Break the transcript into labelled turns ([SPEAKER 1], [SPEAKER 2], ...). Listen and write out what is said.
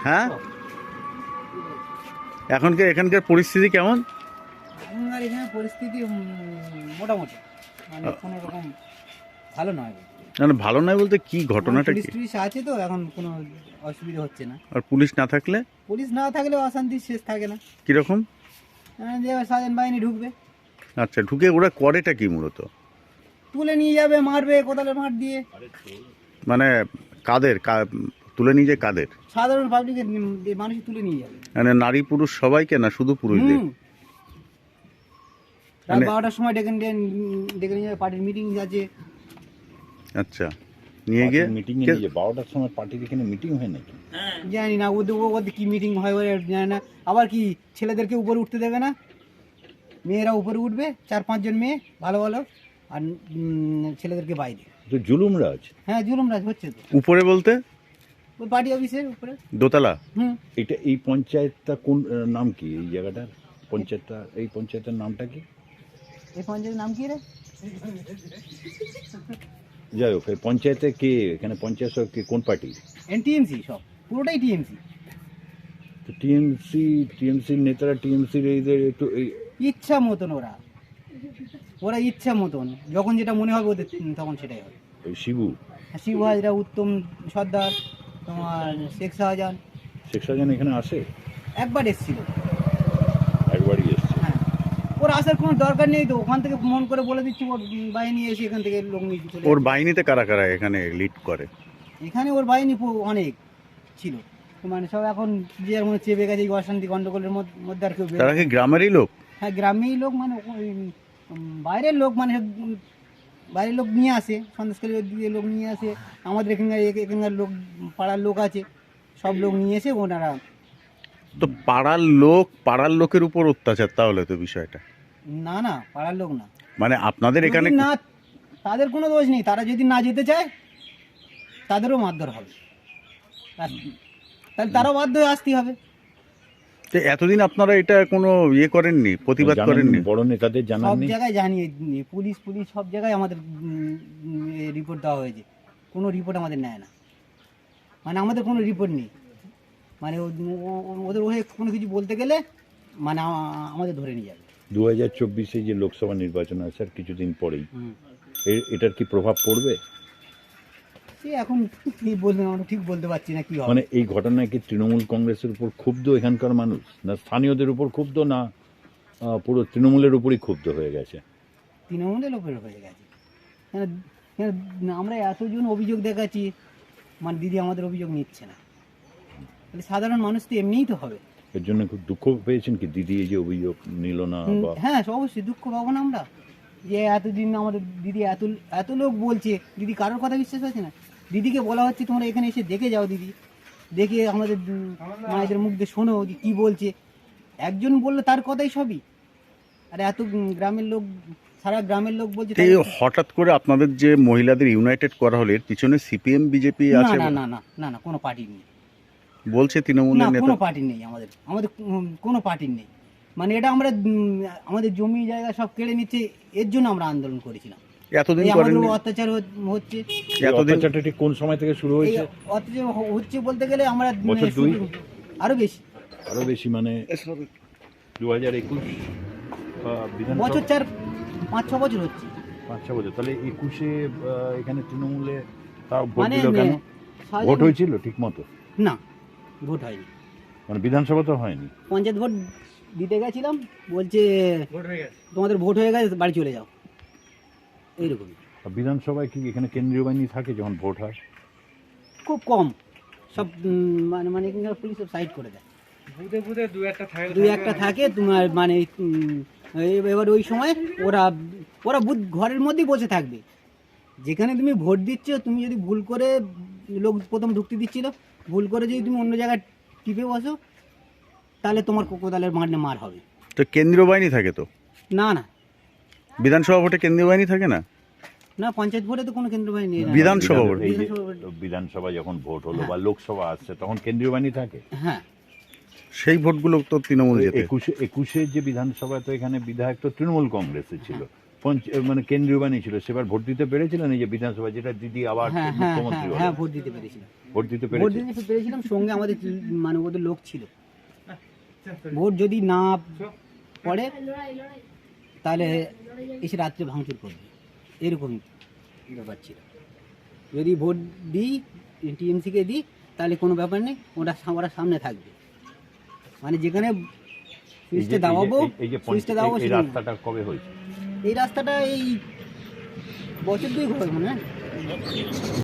[SPEAKER 1] হ্যাঁ, এখানকার পরিস্থিতি কেমন?
[SPEAKER 2] এখনকার এখানে পরিস্থিতি মোটামুটি, মানে কোনো রকম ভালো নয়।
[SPEAKER 1] না ভালো নয় বলতে কি ঘটনাটা
[SPEAKER 2] পুলিশ
[SPEAKER 1] কি?
[SPEAKER 2] টুলিশ আছে তো, এখন কোনো অসুবিধা হচ্ছে না।
[SPEAKER 1] আর পুলিশ না থাকলে?
[SPEAKER 2] পুলিশ না থাকলেও অশান্তি শেষ থাকে না।
[SPEAKER 1] কিরকম?
[SPEAKER 2] যে স্বাধীন বাহিনী ঢুকবে,
[SPEAKER 1] আচ্ছা, ঢুকে ওরা করেটা কি মূলত?
[SPEAKER 2] তুলে নিয়ে যাবে, মারবে কোদালের মাঠ দিয়ে।
[SPEAKER 1] মানে তুলে নিয়ে যায় কাদের?
[SPEAKER 2] সাধারণ পাবলিকের মানুষ তুলে নিয়ে যাবে।
[SPEAKER 1] মানে নারী পুরুষ সবাইকে, না শুধু পুরুষদের?
[SPEAKER 2] রাত 12টার সময় ডেকে নিয়ে যাবে, পার্টির মিটিং আছে।
[SPEAKER 1] আচ্ছা, নিয়ে গিয়ে
[SPEAKER 3] মিটিং এ নিয়ে 12টার সময় পার্টির এখানে মিটিং হয় নাকি?
[SPEAKER 2] জানি না ওদের কি মিটিং হয় জানি না। আবার কি ছেলেদেরকে উপরে উঠতে দেবে না, মেয়েরা উপরে উঠবে, 4-5 জন মেয়ে ভালো ভালো, আর ছেলেদেরকে বাইরে।
[SPEAKER 3] তো জুলুম রাজ।
[SPEAKER 2] হ্যাঁ, জুলুম রাজ হচ্ছে তো।
[SPEAKER 1] উপরে বলতে
[SPEAKER 2] ওই পার্টি অফিসের উপরে
[SPEAKER 1] দোতলা?
[SPEAKER 3] এটা এই পঞ্চায়েতটা কোন নাম কি এই জায়গাটার? পঞ্চায়েতটা, এই পঞ্চায়েতের নামটা কি?
[SPEAKER 2] এই পঞ্চায়েতের নাম কি রে?
[SPEAKER 3] যাই হোক, এই পঞ্চায়েতে কে, এখানে পঞ্চায়েত সব কে, কোন পার্টি?
[SPEAKER 2] টিএমসি, সব পুরোটাই টিএমসি।
[SPEAKER 3] তো টিএমসির নেতারা টিএমসির এইদের একটু এই
[SPEAKER 2] ইচ্ছা মতন ওরা ইচ্ছা মতন যখন যেটা মনে হবে ওদের তখন সেটাই হবে।
[SPEAKER 3] ওই শিবু
[SPEAKER 2] শিবু হাজরা, উত্তম সর্দার, তোমার শেখ শাহজাহান
[SPEAKER 3] এখানে আসে?
[SPEAKER 2] একবার এসেছিল,
[SPEAKER 3] একবারই এসছে।
[SPEAKER 2] হ্যাঁ। ওর আসার কোনো দরকার নেই তো, ওখান থেকে মন করে বলে দিচ্ছি ওর বাহিনী এসে এখান থেকে লোক নিয়ে চলে
[SPEAKER 1] ওর
[SPEAKER 2] যাবে।
[SPEAKER 1] বাহিনীতে কারা কারা এখানে লিড করে?
[SPEAKER 2] এখানে ওর বাহিনী অনেক ছিল, মানে সব এখন যে যার মনে চেপে গেছে এই অশান্তি গন্ডগোলের মধ্যে আর কেউ
[SPEAKER 1] তারা কি গ্রামেরই লোক?
[SPEAKER 2] হ্যাঁ, গ্রামেই লোক, মানে ওই বাইরের লোক, মানে বাইরের লোক নিয়ে আসে, সন্দেশকারী দিয়ে লোক নিয়ে আসে। আমাদের এখানকার লোক, পাড়ার লোক আছে, সব লোক নিয়ে এসে ওনারা।
[SPEAKER 1] তো পাড়ার লোকের উপর অত্যাচার তাহলে তো বিষয়টা?
[SPEAKER 2] না, পাড়ার লোক না,
[SPEAKER 1] মানে আপনাদের এখানে
[SPEAKER 2] না, তাদের কোনো দোষ নেই। তারা যদি না যেতে চায় তাদেরও মারধর হবে, তাহলে তারাও বাধ্য হয়ে আসতে হবে।
[SPEAKER 1] তো এতদিন আপনারা এটা কোনো করেননি, প্রতিবাদ করেননি?
[SPEAKER 3] বড় নেতাদের
[SPEAKER 2] সব
[SPEAKER 3] জানাননি?
[SPEAKER 2] জায়গায় জানিয়ে, পুলিশ সব জায়গায় আমাদের রিপোর্ট দেওয়া হয়েছে, কোনো রিপোর্ট আমাদের নেয় না। মানে আমাদের কোনো রিপোর্ট নেই, মানে ওদের হয়ে কোনো কিছু বলতে গেলে মানে আমাদের ধরে নিয়ে যাবে।
[SPEAKER 3] 2024-এ যে লোকসভা নির্বাচন আছে আর কিছুদিন পরেই, এটার কি প্রভাব পড়বে?
[SPEAKER 2] সে এখন কি বলবেন আমরা ঠিক বলতে পারছি না কি হবে।
[SPEAKER 3] মানে এই ঘটনায় কি তৃণমূল কংগ্রেসের উপর ক্ষুব্ধ এখানকার মানুষ, না স্থানীয়দের উপর ক্ষুব্ধ, না পুরো তৃণমূলের উপরই ক্ষুব্ধ হয়ে গেছে?
[SPEAKER 2] তৃণমূলের লোকের হয়ে গেছে। আমরা এতজন অভিযোগ দেখাচ্ছি, মানে দিদি আমাদের অভিযোগ নিচ্ছে না, তাহলে সাধারণ মানুষ তো এমনিই তো হবে।
[SPEAKER 3] এর জন্য খুব দুঃখ পেয়েছেন কি দিদি এই যে অভিযোগ নিল না? বা
[SPEAKER 2] হ্যাঁ, অবশ্যই দুঃখ পাবো না আমরা, যে এতদিন আমাদের দিদি এত লোক বলছে, দিদি কারোর কথা বিশ্বাস হচ্ছে না। দিদিকে বলা হচ্ছে তোমরা এখানে এসে দেখে যাও, দিদি দেখে আমাদের মায়েদের মুখ দিয়ে শোনো যে কী বলছে। একজন বললে তার কথাই সবই, আর এত গ্রামের লোক, সারা গ্রামের লোক বলছে।
[SPEAKER 1] এই হঠাৎ করে আপনাদের যে মহিলাদের ইউনাইটেড করা হলো, এর পিছনে সিপিএম বিজেপি আছে?
[SPEAKER 2] না, কোনো পার্টি নেই
[SPEAKER 1] বলছে তৃণমূলের নেতা।
[SPEAKER 2] কোনো পার্টি নেই, আমাদের কোনো পার্টি নেই। মানে এটা আমরা আমাদের জমি জায়গা সব কেড়ে নিচ্ছে, এর জন্য আমরা আন্দোলন করেছিলাম।
[SPEAKER 1] এতদিন
[SPEAKER 2] আমাদের অত্যাচার হচ্ছে।
[SPEAKER 3] অত্যাচারটা ঠিক কোন সময় থেকে শুরু হয়েছে?
[SPEAKER 2] অত্যাচার হচ্ছে বলতে গেলে আমরা
[SPEAKER 3] বছর 2
[SPEAKER 2] আরো বেশি,
[SPEAKER 3] মানে 2021
[SPEAKER 2] বছর 5-6 বছর হচ্ছে।
[SPEAKER 3] 5-6 বছর। তাহলে 21-এ এখানে তৃণমূলে তাও ভোট
[SPEAKER 2] মানে
[SPEAKER 3] দিল কেন? ভোট হয়েছিল ঠিক মতো?
[SPEAKER 2] না, ভোট হয়নি।
[SPEAKER 3] মানে বিধানসভা তো হয়নি,
[SPEAKER 2] পঞ্চায়েত ভোট দিতে গেছিলাম, বলছে তোমাদের ভোট হয়ে গেছে, বাড়ি চলে যাও, এইরকম।
[SPEAKER 3] বিধানসভায় কি এখানে কেন্দ্রীয় বাহিনী থাকে যখন ভোট হয়?
[SPEAKER 2] খুব কম, সব মানে এখানকার পুলিশ সব সাইড করে দেয়, বুধে দু একটা থাকে তোমার, মানে এবার ওই সময় ওরা বুথ ঘরের মধ্যেই বসে থাকবে। যেখানে তুমি ভোট দিচ্ছ, তুমি যদি ভুল করে, লোক প্রথম ঢুকতে দিচ্ছিল, ভুল করে যদি তুমি অন্য জায়গায় টিপে বসো, তাহলে তোমার কোদালের মার হবে।
[SPEAKER 1] তো কেন্দ্রীয় বাহিনী থাকে তো?
[SPEAKER 2] না,
[SPEAKER 1] বিধানসভা ভোটে কেন্দ্রীয় বাহিনী থাকে না?
[SPEAKER 2] না, পঞ্চায়েত ভোটে তো কোনো কেন্দ্রীয় বাহিনী নেই।
[SPEAKER 1] বিধানসভা ভোট,
[SPEAKER 3] এই যে বিধানসভা যখন ভোট হলো বা লোকসভা আসছে তখন কেন্দ্রীয় বাহিনী থাকে।
[SPEAKER 2] হ্যাঁ,
[SPEAKER 1] সেই ভোটগুলো তো তৃণমূল জেতে।
[SPEAKER 3] 21-এ যে বিধানসভা, তো এখানে বিধায়ক তো তৃণমূল কংগ্রেসে ছিল, মানে কেন্দ্রীয় বানিয়েছিল, সেবার ভোট দিতে পেরেছিলেন? এই যে বিধানসভা যেটা দিদি আবার
[SPEAKER 2] হ্যাঁ হ্যাঁ
[SPEAKER 3] মুখ্যমন্ত্রী
[SPEAKER 2] হ্যাঁ
[SPEAKER 3] হলো,
[SPEAKER 2] হ্যাঁ ভোট দিতে পেরেছিলাম,
[SPEAKER 3] ভোট দিতে
[SPEAKER 2] ভোট
[SPEAKER 3] পেরেছিলেন?
[SPEAKER 2] দিতে পেরেছিলাম। সঙ্গে আমাদের মানে ওদের লোক ছিল। ভোট যদি না পড়ে তাহলে এসে রাত্রে ভাঙচুর করবে, এরকম ব্যাপার ছিল। যদি ভোট দিই টিএমসিকে দিই তাহলে কোনো ব্যাপার নেই, ওরা সামনে থাকবে। মানে যেখানে সুইচটা দাবাবো, সুইচটা দাবাবো
[SPEAKER 3] এই
[SPEAKER 2] সেখানে।
[SPEAKER 3] রাস্তাটা কবে হয়েছে?
[SPEAKER 2] এই রাস্তাটা এই বছর দুই হবে মনে হয়।